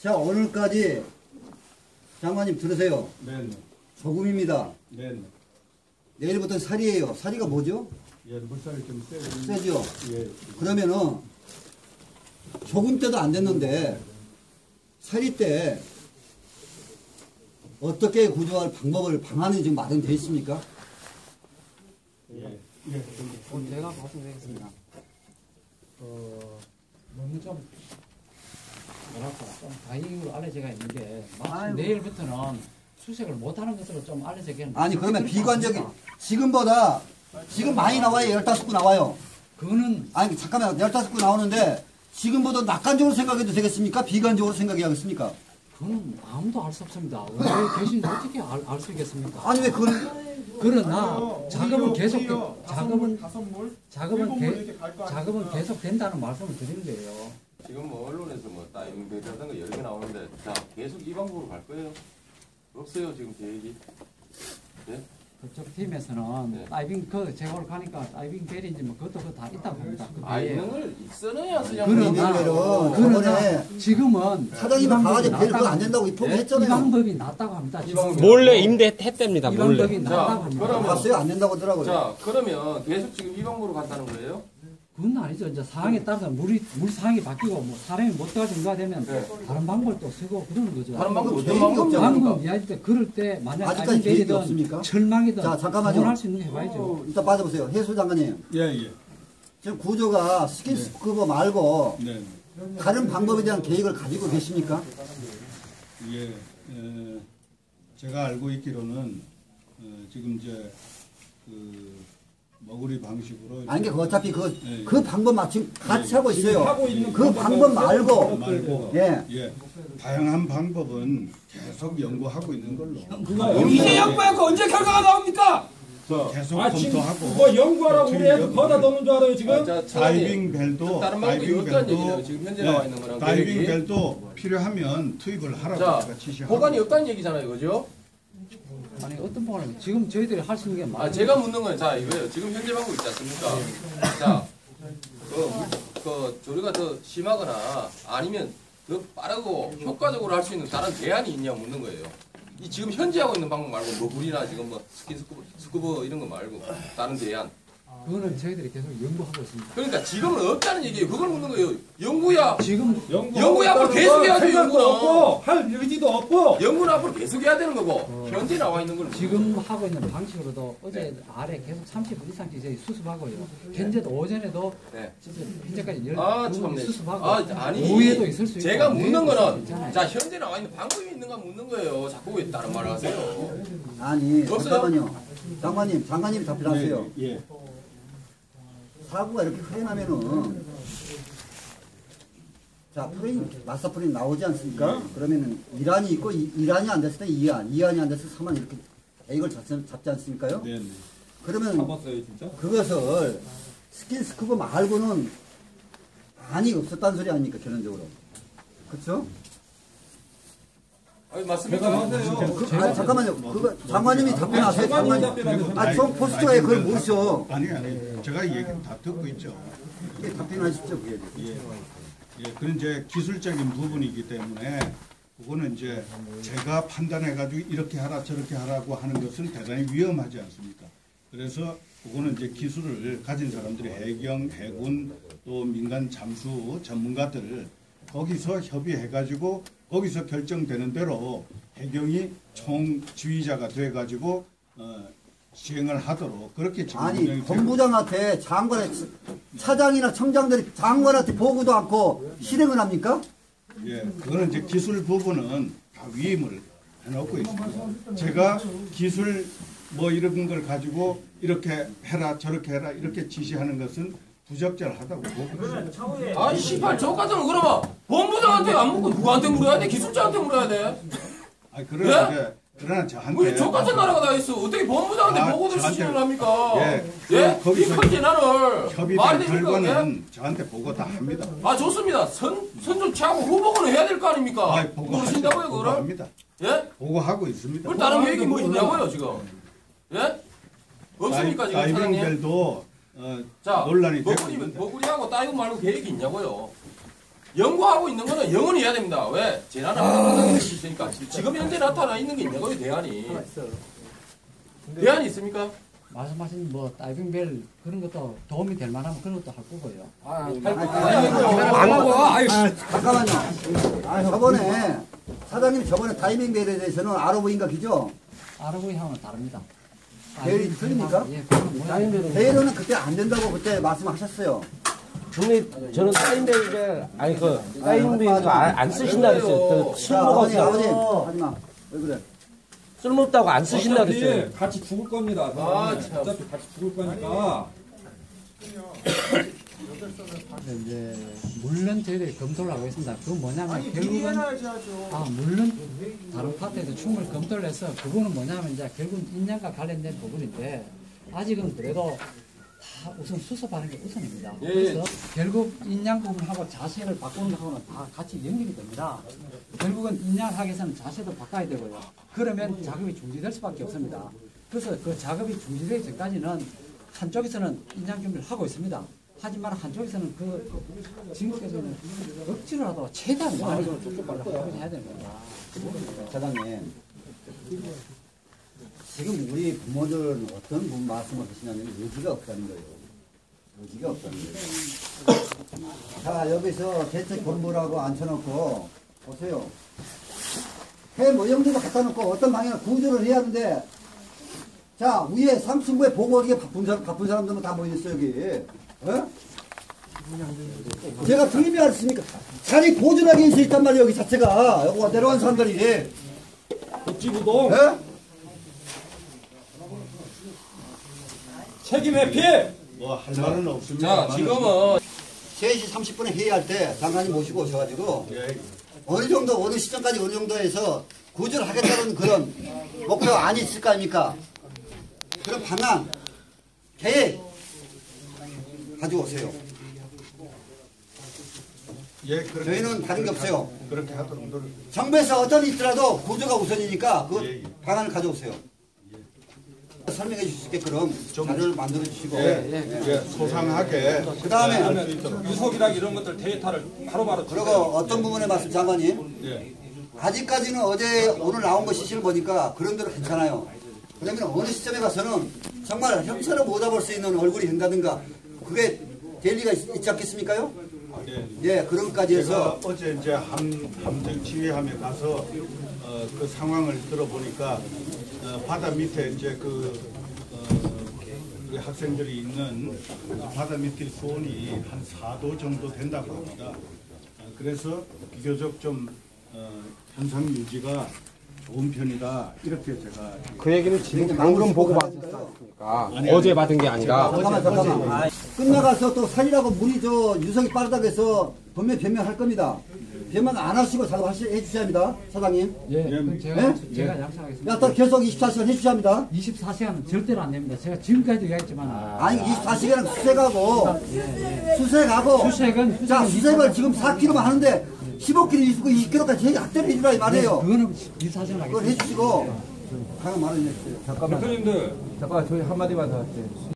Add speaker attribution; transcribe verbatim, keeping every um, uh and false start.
Speaker 1: 자, 오늘까지 장관님 들으세요.
Speaker 2: 네.
Speaker 1: 조금입니다.
Speaker 2: 네.
Speaker 1: 내일부터 살이에요. 살이가 뭐죠?
Speaker 2: 예, 물살이 좀 세죠.
Speaker 1: 세죠?
Speaker 2: 예.
Speaker 1: 그러면은 조금 때도 안 됐는데 살이 때 어떻게 구조할 방법을 방안이 지금 마련되어 있습니까?
Speaker 2: 예. 예.
Speaker 3: 어, 제가 말씀드리겠습니다. 어, 너무 좀, 뭐랄까, 좀 다행으로 알려져가 있는 게, 마치
Speaker 1: 아이고.
Speaker 3: 내일부터는 수색을 못하는 것으로 좀 알려져가 있는
Speaker 1: 아니, 그러면 비관적인, 지금보다, 지금 많이 나와요. 열다섯 구 나와요.
Speaker 3: 그거는,
Speaker 1: 아니, 잠깐만, 열다섯 구 나오는데, 지금보다 낙관적으로 생각해도 되겠습니까? 비관적으로 생각해야겠습니까?
Speaker 3: 그거는 아무도 알 수 없습니다. 왜 계신지 어떻게 알, 알 수 있겠습니까?
Speaker 1: 아니, 왜 그걸,
Speaker 3: 그러나, 작업은 계속, 작업은,
Speaker 4: 다섯 물,
Speaker 3: 작업은,
Speaker 4: 일곱 물
Speaker 3: 개,
Speaker 4: 이렇게 갈거
Speaker 3: 작업은
Speaker 4: 아닙니까?
Speaker 3: 계속 된다는 말씀을 드리는 거예요.
Speaker 5: 지금 뭐 언론에서 뭐 다이빙배라는 거 여러 개 나오는데 자 계속 이 방법으로 갈 거예요? 없어요 지금 계획이. 네?
Speaker 3: 그쪽 팀에서는
Speaker 5: 네.
Speaker 3: 다이빙 그 제가 오늘 가니까 다이빙 벨인지 뭐 그것도 그거 다 있다고 합니다. 그
Speaker 5: 아
Speaker 3: 배에.
Speaker 5: 이런 걸 있어야 쓰냐
Speaker 3: 그러나
Speaker 1: 그러나
Speaker 3: 그러나 지금은
Speaker 1: 사장님이
Speaker 3: 이 방법이
Speaker 1: 가가지고 벨 그거 안
Speaker 3: 낫다고
Speaker 1: 된다고
Speaker 3: 이
Speaker 1: 포기했잖아요.
Speaker 3: 방법이 낫다고 합니다. 지금.
Speaker 5: 방법이
Speaker 6: 몰래 임대했답니다.
Speaker 3: 이
Speaker 6: 몰래.
Speaker 3: 방법이 낫다고
Speaker 5: 자,
Speaker 3: 합니다.
Speaker 5: 그러면-
Speaker 1: 봤어요? 안 된다고 하더라고요.
Speaker 5: 자 그러면 계속 지금 이 방법으로 간다는 거예요?
Speaker 3: 그건 아니죠. 이제 상황에 따라서 물이 물 상황이 바뀌고 뭐 사람이 못 들어갈 정도가 되면
Speaker 5: 네.
Speaker 3: 다른 방법을 또 쓰고 그러는 거죠.
Speaker 5: 다른 방법 어떤
Speaker 1: 계획이
Speaker 5: 방법입니까?
Speaker 1: 없잖아요.
Speaker 3: 방금 이야기 때 그럴 때 만약
Speaker 1: 아직까지
Speaker 3: 다이빙
Speaker 1: 계획이
Speaker 3: 벨이든
Speaker 1: 없습니까?
Speaker 3: 철망이든
Speaker 1: 자, 잠깐만요.
Speaker 3: 할수 있는 거 해봐야죠.
Speaker 1: 어, 일단 빠져보세요. 해수 장관님.
Speaker 2: 예, 예.
Speaker 1: 지금 구조가 스킨스쿠버 말고
Speaker 2: 네.
Speaker 1: 다른 방법에 대한 계획을 가지고 계십니까?
Speaker 2: 예. 에, 제가 알고 있기로는 어, 지금 이제 그 머구리 방식으로
Speaker 1: 아니, 그 어차피 그,
Speaker 2: 예, 예.
Speaker 1: 그 방법 마침 같이
Speaker 2: 예,
Speaker 1: 하고 있어요.
Speaker 4: 하고 있는
Speaker 1: 그 방법 말고,
Speaker 2: 말고
Speaker 1: 예.
Speaker 2: 예. 다양한 방법은 계속 연구하고 있는 걸로.
Speaker 4: 이제 연구하고 언제 결과가 나옵니까?
Speaker 2: 계속
Speaker 4: 아 지금
Speaker 2: 검토하고
Speaker 4: 뭐 연구하라고 우리 애들
Speaker 2: 연구.
Speaker 4: 거다 넣는 줄 알아요 지금?
Speaker 5: 아, 자, 차관님,
Speaker 2: 다이빙 벨도
Speaker 5: 다른 방법이
Speaker 2: 다이빙
Speaker 5: 없다는
Speaker 2: 벨도
Speaker 5: 얘기잖아요. 지금 현재 나와 있는 거랑
Speaker 2: 다이빙
Speaker 5: 계획이.
Speaker 2: 벨도 필요하면 투입을 하라고
Speaker 5: 자
Speaker 2: 제가 지시하고.
Speaker 5: 보관이 없다는 얘기잖아요, 그죠?
Speaker 3: 아니 어떤 방법을 지금 저희들이 할 수 있는 게
Speaker 5: 아
Speaker 3: 많아요.
Speaker 5: 제가 묻는 건 자 이거예요. 지금 현재 방법 있지 않습니까? 자, 그, 그 조류가 더 심하거나 아니면 더 빠르고 효과적으로 할 수 있는 다른 대안이 있냐 묻는 거예요. 이 지금 현재 하고 있는 방법 말고 뭐 물이나 지금 뭐 스킨스쿠버 스쿠버 이런 거 말고 다른 대안.
Speaker 3: 그거는 저희들이 계속 연구하고 있습니다.
Speaker 5: 그러니까 지금은 없다는 얘기예요. 그걸 묻는 거예요. 연구야.
Speaker 3: 지금
Speaker 5: 연구에 앞으로 계속 해야 돼요,
Speaker 4: 생각도
Speaker 5: 연구는.
Speaker 4: 없고 할 의지도 없고
Speaker 5: 연구는 앞으로 계속 해야 되는 거고 현재 나와 있는 걸
Speaker 3: 지금 하고 있는 방식으로도 어제 아래 계속 삼십 분 이상씩 저희 수습하고요. 현재도 오전에도
Speaker 5: 네.
Speaker 3: 진짜 현재까지 열
Speaker 5: 아,
Speaker 3: 분
Speaker 5: 참네.
Speaker 3: 수습하고
Speaker 5: 아, 아니.
Speaker 3: 오후에도 있을 수 있고
Speaker 5: 제가 묻는
Speaker 3: 내일도 있을 수
Speaker 5: 거는
Speaker 3: 있잖아요.
Speaker 5: 자 현재 나와 있는 방법이 있는가 묻는 거예요. 자꾸 왜 다른 말을 하세요?
Speaker 1: 아니,
Speaker 5: 없어요?
Speaker 1: 잠깐만요. 장관님, 장관님 답변하세요.
Speaker 2: 예, 예.
Speaker 1: 사고가 이렇게 크게 나면은, 자, 프레임, 마스터 프레임 나오지 않습니까?
Speaker 2: 네.
Speaker 1: 그러면은 이란이 있고, 이, 이란이 안 됐을 때 이안, 이안이 안 됐을 때 삼안 이렇게 계획을 잡지, 잡지 않습니까요?
Speaker 2: 네, 네.
Speaker 1: 그러면
Speaker 4: 잡았어요 진짜?
Speaker 1: 그것을 스킨스쿠버 말고는 많이 없었다는 소리 아닙니까, 결론적으로. 그쵸?
Speaker 5: 아니 맞습니까?
Speaker 1: 그, 아니, 잠깐만요. 그거 장관님이 답변하세요.
Speaker 4: 장관님이
Speaker 1: 장관님.
Speaker 4: 답변하세요.
Speaker 1: 아, 저 포스터에 그걸 모셔.
Speaker 2: 아니 아니 제가 얘기는 다 듣고 있죠.
Speaker 1: 예, 답변하십시오, 그게.
Speaker 2: 예. 예, 그런 이제 기술적인 부분이기 때문에 그거는 이제 제가 판단해가지고 이렇게 하라 저렇게 하라고 하는 것은 대단히 위험하지 않습니까? 그래서 그거는 이제 기술을 가진 사람들이 해경, 해군 또 민간 잠수 전문가들 거기서 협의해가지고 거기서 결정되는 대로 해경이 총지휘자가 돼가지고 어, 시행을 하도록 그렇게 지금
Speaker 1: 아니,
Speaker 2: 운영이 되고
Speaker 1: 본부장한테 장관의 차장이나 청장들이 장관한테 보고도 않고 실행을 합니까?
Speaker 2: 예, 그거는 이제 기술 부분은 다 위임을 해놓고 있습니다. 제가 기술 뭐 이런 걸 가지고 이렇게 해라 저렇게 해라 이렇게 지시하는 것은 부적절하다고 보고 있습니다.
Speaker 5: 아이 씨발 저 같으면 그러면 본부장한테 안 묻고 누구한테 물어야 돼? 기술자한테 물어야 돼?
Speaker 2: 아, 그러나
Speaker 5: 예?
Speaker 2: 이제 그러나 저한테
Speaker 5: 왜 저 같은 나라가 다 있어? 어떻게 본부장한테
Speaker 2: 아,
Speaker 5: 보고를
Speaker 2: 저한테-
Speaker 5: 수신을 합니까?
Speaker 2: 예,
Speaker 5: 예?
Speaker 2: 그- 거기서
Speaker 5: 이 큰 재난을
Speaker 2: 협의된
Speaker 5: 말이 됩니까? 예?
Speaker 2: 결과는 저한테 보고 다 합니다.
Speaker 5: 아 좋습니다. 선 선좀 취하고 후보는 해야 될 거 아닙니까?
Speaker 2: 아, 보고하죠.
Speaker 5: 모르신다고요 그거를?
Speaker 2: 보고합니다.
Speaker 5: 예?
Speaker 2: 보고하고 있습니다.
Speaker 5: 그 다른 계획이 뭐 있냐고요 지금? 예? 없습니까 지금 사장님?
Speaker 2: 다이빙벨도 어,
Speaker 5: 자,
Speaker 2: 논란이 되고
Speaker 5: 버구리,
Speaker 2: 있는데
Speaker 5: 버구리하고 따이고 말고 계획이 있냐고요? 연구하고 있는 거는 영원히 해야 됩니다. 왜? 재난을 막는 것이 있으니까. 지금 현재 나타나 있는 게 있는 거예요, 대안이. 대안이 있습니까?
Speaker 3: 말씀하신 뭐 다이빙벨 그런 것도 도움이 될 만하면 그런 것도 할 거고요.
Speaker 4: 안 하고 아유
Speaker 1: 아, 잠깐만요. 아, 저번에 사장님 저번에 타이밍 벨에 대해서는 아로브인가 기죠?
Speaker 3: 아르고이하고는 다릅니다.
Speaker 1: 벨이 틀립니까?
Speaker 3: 예, 그건 뭐야?
Speaker 1: 벨은 그때 안 된다고 그때 말씀하셨어요.
Speaker 6: 근데 저는 타임벨 아니 그 타임벨 안 쓰신다 그랬어요. 그
Speaker 1: 자,
Speaker 6: 쓸모가
Speaker 1: 아버님, 아버님,
Speaker 6: 없어.
Speaker 1: 하지마. 왜 그래?
Speaker 6: 쓸모없다고 안 쓰신다 그랬어요.
Speaker 4: 어차피 같이 죽을 겁니다.
Speaker 5: 아, 참.
Speaker 4: 어차피 같이 죽을 거니까.
Speaker 3: 근데 이제 물론 저희들이 검토를 하고 있습니다. 그건 뭐냐면 결국은 아 물론 다른 파트에도 충분히 검토를 해서 그거는 뭐냐면 이제 결국은 인양과 관련된 부분인데 아직은 그래도 다 우선 수습하는 게 우선입니다.
Speaker 5: 예,
Speaker 3: 그래서 결국 인양 부분하고 자세를 바꾸는 거하고는 다 같이 연결이 됩니다. 결국은 인양을 하기 위해서는 자세도 바꿔야 되고요. 그러면 작업이 중지될 수밖에 없습니다. 그래서 그 작업이 중지되기 전까지는 한쪽에서는 인양 준비를 하고 있습니다. 하지만 한쪽에서는 그 지금까지는 억지로라도 최대한 많이 하고 해야 되는 겁니다.
Speaker 1: 사장님. 지금 우리 부모들은 어떤 부분 말씀을 하시냐면 의지가 없다는 거예요. 의지가 없다는 거예요. 자, 여기서 대책 본부라고 앉혀놓고, 보세요. 해 모형들도 갖다 놓고 어떤 방향을 구조를 해야 하는데, 자, 위에 상층부에 보고하기에 바쁜, 사람, 바쁜 사람들은 다 모여있어요, 여기. 어? 제가 틀림이 않습니까? 자리 보존하게 있어 있단 말이에요, 여기 자체가. 여기 내려간 사람들이.
Speaker 4: 복지부동
Speaker 1: 예?
Speaker 4: 책임 회피.
Speaker 2: 뭐 할 말은 없습니다.
Speaker 5: 자, 지금은
Speaker 1: 세 시 삼십 분에 회의할 때 장관님 모시고 오셔가지고
Speaker 2: 예,
Speaker 1: 어느 정도 어느 시점까지 어느 정도에서 구조를 하겠다는 그런 목표 안이 있을 거 아닙니까? 그런 방안, 계획 가지고 오세요.
Speaker 2: 예, 그렇게,
Speaker 1: 저희는 다른 게 없어요.
Speaker 2: 그렇게 하도록 노력.
Speaker 1: 정부에서 어떤 일이 있더라도 구조가 우선이니까 그
Speaker 2: 예, 예.
Speaker 1: 방안을 가져오세요. 설명해 주실 수 있게끔 자료를 만들어 주시고
Speaker 2: 예, 예, 소상하게.
Speaker 1: 그 다음에
Speaker 4: 그러면 유속이랑 이런 것들 데이터를 바로바로
Speaker 1: 그리고
Speaker 4: 주세요.
Speaker 1: 어떤 부분에 말씀 장관님
Speaker 2: 예.
Speaker 1: 아직까지는 어제 오늘 나온 거 시시를 보니까 그런 대로 괜찮아요. 그러면 어느 시점에 가서는 정말 형사를 못 잡을 수 있는 얼굴이 된다든가 그게 될 리가 있, 있지 않겠습니까요?
Speaker 2: 예.
Speaker 1: 예, 그런 것까지
Speaker 2: 제가
Speaker 1: 해서
Speaker 2: 어제 이제 함, 함정 지휘함에 가서 어, 그 상황을 들어보니까 어, 바다 밑에 이제 그 어, 우리 학생들이 있는 그 바다 밑에 수온이 한 사 도 정도 된다고 합니다. 어, 그래서 비교적 좀 어, 현상 유지가 좋은 편이다 이렇게 제가
Speaker 6: 그 얘기는 지금
Speaker 1: 이렇게
Speaker 6: 방금
Speaker 1: 나오고
Speaker 6: 보고
Speaker 1: 싶어서
Speaker 6: 받았으니까
Speaker 2: 아니,
Speaker 6: 어제
Speaker 2: 아니.
Speaker 6: 받은 게 아니라
Speaker 1: 잠깐만 잠깐만 끝나가서 또 살이라고 물이 저 유성이 빠르다고 해서 분명히 변명할 겁니다. 변명 안 하시고 작업하시 해주셔야 합니다, 사장님.
Speaker 3: 예, 그럼 제가,
Speaker 1: 예?
Speaker 3: 제가 약속하겠습니다.
Speaker 1: 야, 또 계속 이십사 시간 해주셔야 합니다.
Speaker 3: 이십사 시간은 절대로 안 됩니다. 제가 지금까지도 이야기했지만
Speaker 1: 아니 이십사 시간은 수색하고 수색하고
Speaker 3: 수색은
Speaker 1: 자
Speaker 3: 수색은
Speaker 1: 수색을 지금 사 킬로미터만 하는데 십오 킬로미터, 이십 킬로미터까지 학대를 해주라 이 말이에요.
Speaker 3: 그거는 이십사 시간
Speaker 1: 그걸
Speaker 3: 하겠습니다.
Speaker 1: 해주시고 하나 말을 해주세요.
Speaker 4: 대표님들
Speaker 6: 잠깐 저희 한마디만 더 할게요.